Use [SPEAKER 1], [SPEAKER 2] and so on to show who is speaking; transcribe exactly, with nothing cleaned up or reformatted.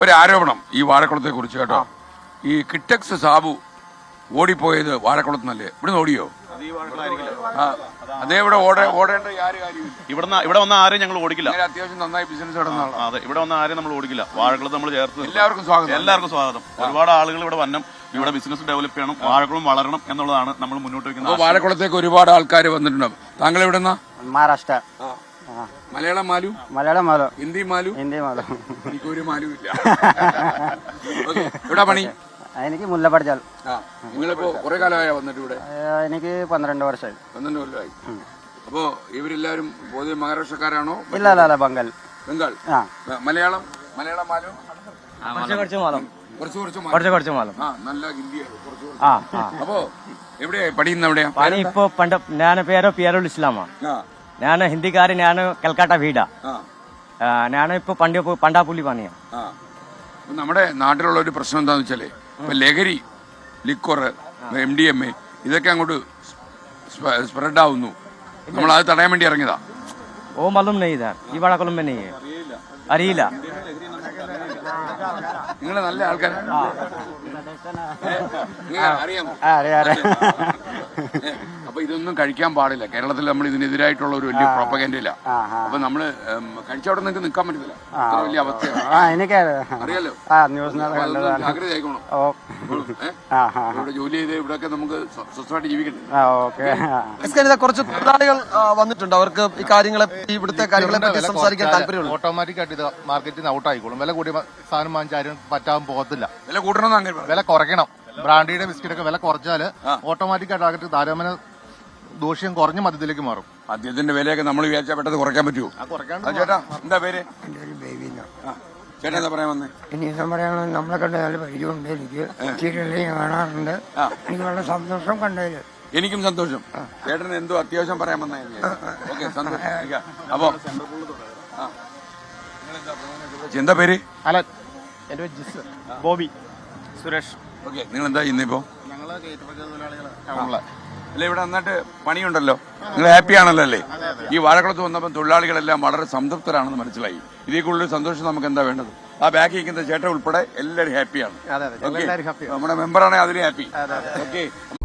[SPEAKER 1] ഒരു ആരോപണം ഈ വാഴക്കുളത്തെ കുറിച്ച് കേട്ടോ. ഈ കിറ്റക്സ് സാബു ഓടിപ്പോയത് വാഴക്കുളത്തുനിന്നല്ലേ? ഇവിടുന്ന് ഓടിയോ? അതേ ഇവിടെ ഓടേ ഓടേണ്ട
[SPEAKER 2] ഇവിടെ ഇവിടെ വന്ന ആരെയും ഞങ്ങൾ ഓടിക്കില്ല.
[SPEAKER 1] അത്യാവശ്യം നന്നായി ബിസിനസ് നടന്നതാണ്.
[SPEAKER 2] അതെ, ഇവിടെ വന്ന ആരെയും നമ്മൾ ഓടിക്കില്ല. വാഴക്കുളത്ത് നമ്മൾ ചേർത്ത്
[SPEAKER 1] എല്ലാവർക്കും സ്വാഗതം.
[SPEAKER 2] എല്ലാവർക്കും സ്വാഗതം. ഒരുപാട് ആളുകൾ ഇവിടെ വരണം, ഇവിടെ ബിസിനസ് ഡെവലപ്പ് ചെയ്യണം, വാഴക്കുളം വളരണം എന്നുള്ളതാണ് നമ്മൾ മുന്നോട്ട് വെക്കുന്നത്.
[SPEAKER 1] വാഴക്കുളത്തേക്ക് ഒരുപാട് ആൾക്കാർ വന്നിട്ടുണ്ടാവും. താങ്കൾ എവിടെ നിന്നാ?
[SPEAKER 3] മഹാരാഷ്ട്ര.
[SPEAKER 1] മലയാളം മാലു?
[SPEAKER 3] മലയാളം മാലു.
[SPEAKER 1] ഹിന്ദി മാലു?
[SPEAKER 3] ഹിന്ദി മാലു.
[SPEAKER 1] എനിക്കൊരു മാലും ഇല്ല. എവിടെ പണി?
[SPEAKER 3] എനിക്ക് മുല്ലപ്പടിച്ചാൽ.
[SPEAKER 1] നിങ്ങളിപ്പോ കുറെ കാലമായ വന്നിട്ട് ഇവിടെ?
[SPEAKER 3] എനിക്ക് പന്ത്രണ്ട് വർഷമായി.
[SPEAKER 1] പന്ത്രണ്ട് കൊല്ലമായി. അപ്പോ ഇവരെല്ലാരും പൊതുവെ മഹാരാഷ്ട്രക്കാരാണോ?
[SPEAKER 3] ഇല്ല അല്ല അല്ല ബംഗാൾ.
[SPEAKER 1] ബംഗാൾ. മലയാളം മലയാളം മാലും
[SPEAKER 3] കുറച്ച് മാലം.
[SPEAKER 1] കുറച്ച് കുറച്ച്
[SPEAKER 3] കുറച്ച് കുറച്ച് മാലം.
[SPEAKER 1] ആ നല്ല ഹിന്ദിയാണ്. അപ്പോ എവിടെയാ പഠിക്കുന്ന? എവിടെയാ
[SPEAKER 3] പണി? ഇപ്പൊ പണ്ട് ഞാൻ പേരോ പിയറുൽ ഇസ്ലാമാ. ഞാൻ ഹിന്ദിക്കാരൻ. ഞാൻ കൽക്കട്ട വീടാ. ഞാൻ ഇപ്പൊ പണ്ട് പണ്ടാപ്പുള്ളി പണിയാ.
[SPEAKER 1] നമ്മുടെ നാട്ടിലുള്ള ഒരു പ്രശ്നം എന്താന്ന് വെച്ചാല് ഇപ്പൊ ലഹരി, liquor, M D M A ഇതൊക്കെ അങ്ങോട്ട് സ്പ്രെഡ് ആവുന്നു. നമ്മൾ അത് തടയാൻ വേണ്ടി ഇറങ്ങിയതാ.
[SPEAKER 3] ഓ മലൂം നെയ് ഇതാ ഈ വാഴക്കുളം में नहीं है. അറിയില്ല.
[SPEAKER 1] നിങ്ങൾ നല്ല ആൾക്കാർ അറിയാമോ? അപ്പൊ ഇതൊന്നും കഴിക്കാൻ പാടില്ല. കേരളത്തിൽ നമ്മൾ ഇതിനെതിരായിട്ടുള്ള ഒരു വലിയ പ്രൊപ്പഗൻഡയില്ല. അപ്പൊ നമ്മള് കഴിച്ചവിടെ നിങ്ങൾക്ക് നിൽക്കാൻ പറ്റത്തില്ല. വലിയ അവസ്ഥയാണ്. അറിയാലോ. ജാഗ്രത ആയിക്കോണം. ഇവിടെ ജോലി ചെയ്ത് ഇവിടെയൊക്കെ നമുക്ക് സ്വസ്ഥമായിട്ട് ജീവിക്കട്ടെ.
[SPEAKER 4] കുറച്ച് തൊഴിലാളികൾ വന്നിട്ടുണ്ട്. അവർക്ക് ഈ കാര്യങ്ങളെ ഇവിടുത്തെ കാര്യങ്ങളെ പറ്റി സംസാരിക്കാൻ താല്പര്യമുണ്ട്.
[SPEAKER 5] ഓട്ടോമാറ്റിക് ആയിട്ട് ഇത് മാർക്കറ്റിൽ നിന്ന് ഔട്ട് ആയിക്കോളും. വില കൂടിയ സാധനം വാങ്ങിച്ചാലും പറ്റാൻ പോകത്തില്ല.
[SPEAKER 1] വില കൂട്ടണം,
[SPEAKER 5] വില കുറയ്ക്കണം. ബ്രാൻഡിയുടെ ബിസ്ക്കറ്റ് ഒക്കെ വില കുറച്ചാല് ഓട്ടോമാറ്റിക് ആയിട്ട് താരതമ്യേന ദോഷ്യം കുറഞ്ഞ മദ്യത്തിലേക്ക് മാറും.
[SPEAKER 1] മദ്യത്തിന്റെ വിലയൊക്കെ നമ്മൾ വിചാരിച്ചാൽ പെട്ടെന്ന് കുറയ്ക്കാൻ പറ്റുമോ? ചേട്ടാ എന്താ പേര്? ചേട്ടാ എന്താ പറയാൻ വന്നേ?
[SPEAKER 6] ഇനി എന്താ പറയാനുള്ളത്, നമ്മളെ കണ്ട നല്ല പരിചയമുണ്ട്. എനിക്ക് സീരിയലിൽ കാണാറുണ്ട്. എനിക്ക് വളരെ സന്തോഷം കണ്ടതില്.
[SPEAKER 1] എനിക്കും സന്തോഷം. ചേട്ടന് എന്തോ അത്യാവശ്യം പറയാൻ വന്നായിരുന്നു. ഓക്കെ, സന്തോഷം. അപ്പൊ എന്താ പേര്?
[SPEAKER 5] അലൻ.
[SPEAKER 3] എന്റെ പേര് ജിസ്. ബോബി. സുരേഷ്.
[SPEAKER 1] ഓക്കെ, നിങ്ങൾ എന്താ ഇന്നിപ്പോ?
[SPEAKER 5] ഞങ്ങള് കയറ്റുമതി തൊഴിലാളികളെ.
[SPEAKER 1] അല്ലെ, ഇവിടെ നന്നായിട്ട് പണിയുണ്ടല്ലോ. നിങ്ങൾ ഹാപ്പി ആണല്ലോ അല്ലേ? ഈ വാഴക്കുളത്ത് വന്നപ്പോൾ തൊഴിലാളികളെല്ലാം വളരെ സംതൃപ്തരാണെന്ന് മനസ്സിലായി. ഇതിൽ കൂടുതൽ സന്തോഷം നമുക്ക് എന്താ വേണ്ടത്? ആ ബാക്കി ഇരിക്കുന്ന ചേട്ടൻ ഉൾപ്പെടെ എല്ലാവരും ഹാപ്പിയാണ്. നമ്മുടെ മെമ്പറാണെങ്കിൽ അതിന് ഹാപ്പി. ഓക്കെ.